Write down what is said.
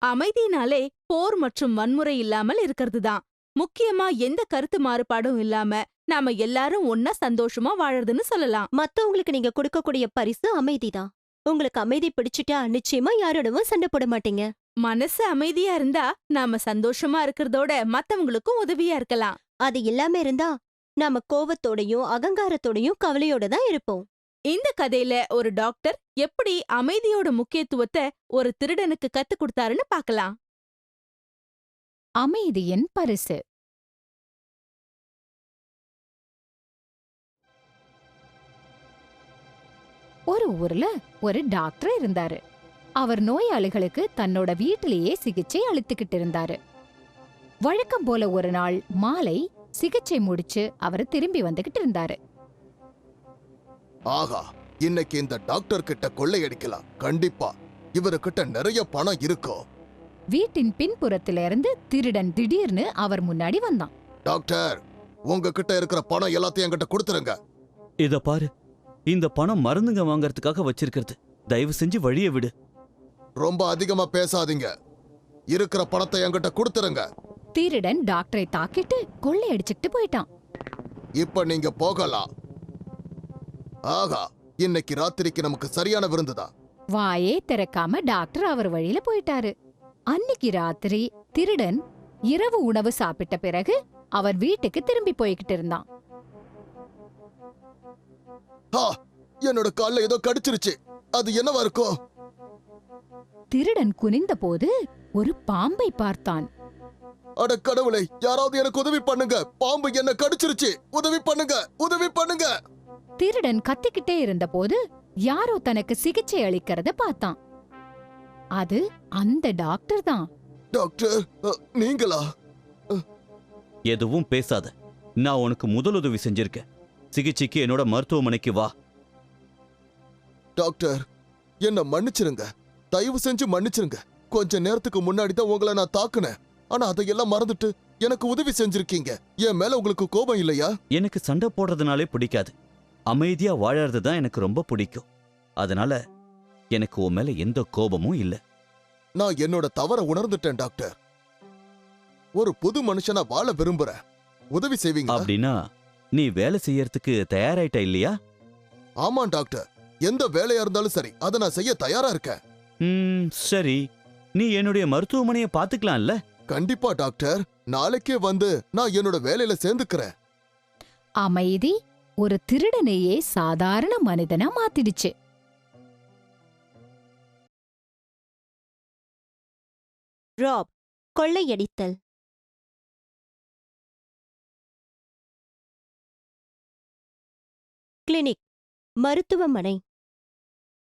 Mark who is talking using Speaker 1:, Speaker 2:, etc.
Speaker 1: அமைதினாலே போர் மற்றும் வன்முறை இல்லாமல் இருக்கிறதுதான். முக்கியமா எந்த கருத்து மாறுபாடும் இல்லாம நாம எல்லாரும் ஒன்னா சந்தோஷமா வாழறதுன்னு சொல்லலாம்.
Speaker 2: மத்தவங்களுக்கு நீங்க கொடுக்கக்கூடிய பரிசு அமைதிதான். உங்களுக்கு அமைதி பிடிச்சிட்டா நிச்சயமா யாரோடவும் சண்டை போட மாட்டீங்க.
Speaker 1: மனசு அமைதியா இருந்தா நாம சந்தோஷமா இருக்கிறதோட மத்தவங்களுக்கும் உதவியா இருக்கலாம்.
Speaker 2: அது இல்லாம இருந்தா நாம கோவத்தோடையும் அகங்காரத்தோடையும் கவலையோட தான் இருப்போம்.
Speaker 1: இந்த கதையில ஒரு டாக்டர் எப்படி அமைதியோட முக்கியத்துவத்தை ஒரு திருடனுக்கு கத்து கொடுத்தாருன்னு பார்க்கலாம்.
Speaker 3: அமைதியின் பரிசு. ஒரு ஊர்ல ஒரு டாக்டர் இருந்தாரு. அவர் நோயாளிகளுக்கு தன்னோட வீட்டிலேயே சிகிச்சை அளித்துக்கிட்டு இருந்தாரு. வழக்கம் போல ஒரு நாள் மாலை சிகிச்சை முடிச்சு அவர் திரும்பி வந்துகிட்டு இருந்தாரு.
Speaker 4: ஆகா, இன்னைக்கு இந்த டாக்டர் கிட்ட கொள்ளையடிக்கலாம். கண்டிப்பா இவருக்கிட்ட நிறைய பணம் இருக்கும்.
Speaker 3: வீட்டின் பின்புறத்திலிருந்து திருடன் திடீர்னு அவர் முன்னாடி வந்தான்.
Speaker 4: டாக்டர், உங்ககிட்ட இருக்கிற பணம் எல்லாத்தையும் என்கிட்ட கொடுத்துருங்க.
Speaker 5: இத பாரு, இந்த பணம் மருந்துங்க வாங்கறதுக்காக வச்சிருக்கிறது. தயவு செஞ்சு வழிய விடு.
Speaker 4: ரொம்ப அதிகமா பேசாதீங்க. இருக்கிற பணத்தை என்கிட்ட கொடுத்துருங்க.
Speaker 3: திருடன் டாக்டரை தாக்கிட்டு கொள்ளையடிச்சுக்கிட்டு போயிட்டான்.
Speaker 4: இப்ப நீங்க போகலாம். ஆகா, இன்னைக்கு ராத்திரிக்கு நமக்கு சரியான விருந்துதான்.
Speaker 3: வாயே திறக்காம டாக்டர் அவர் வழியில போயிட்டாரு. அன்னிக்கு ராத்திரி திருடன் இரவு உணவு சாப்பிட்ட பிறகு அவர் வீட்டுக்கு திரும்பி போய்கிட்டு இருந்தான்.
Speaker 4: என்னோட கால்ல ஏதோ கடிச்சிருச்சு. அது என்னவா இருக்கும்?
Speaker 3: திருடன் குனிந்த போது ஒரு பாம்பை பார்த்தான்.
Speaker 4: அட கடவுளை, யாராவது எனக்கு உதவி பண்ணுங்க. பாம்பு என்ன கடிச்சிருச்சு. உதவி பண்ணுங்க, உதவி பண்ணுங்க.
Speaker 3: திருடன் கத்திக்கிட்டே இருந்த போது யாரோ தனக்கு சிகிச்சை அளிக்கிறத பார்த்தான். அது அந்த டாக்டர் தான்.
Speaker 4: டாக்டர், நீங்களா?
Speaker 5: எதுவும் பேசாத. நான் உனக்கு முதலுதவி செஞ்சிருக்கேன். சிகிச்சைக்கு என்னோட மருத்துவமனைக்கு வா.
Speaker 4: டாக்டர், என்ன மன்னிச்சிருங்க. தயவு செஞ்சு மன்னிச்சிருங்க. கொஞ்ச நேரத்துக்கு முன்னாடி தான் உங்களை நான் தாக்குனேன். ஆனா அதையெல்லாம் மறந்துட்டு எனக்கு உதவி செஞ்சிருக்கீங்க. என் மேல உங்களுக்கு கோபம் இல்லையா?
Speaker 5: எனக்கு சண்டை போடுறதுனாலே பிடிக்காது. அமைதியா வாழறது தான் எனக்கு ரொம்ப பிடிக்கும். அதனால எனக்கு உன் மேல எந்த கோபமும் இல்ல.
Speaker 4: நான் என்னோட தவற உணர்ந்துட்டேன் டாக்டர். ஒரு புது மனுஷனா வாழ விரும்புறேன். உதவி செய்வீங்க?
Speaker 5: அப்படின்னா நீ வேலை செய்யறதுக்கு தயாராயிட்ட இல்லையா?
Speaker 4: ஆமா டாக்டர், எந்த வேலையா இருந்தாலும் சரி, அதை நான் செய்ய தயாரா இருக்கேன்.
Speaker 5: சரி, நீ என்னுடைய மருத்துவமனையை பாத்துக்கலாம்ல?
Speaker 4: கண்டிப்பா டாக்டர், நாளைக்கே வந்து நான் என்னோட வேலையில சேர்ந்துக்கிறேன்.
Speaker 3: அமைதி ஒரு திருடனையே சாதாரண மனிதனா மாத்திடுச்சு.
Speaker 2: ராப், கொள்ளையடித்தல். கிளினிக், மருத்துவமனை.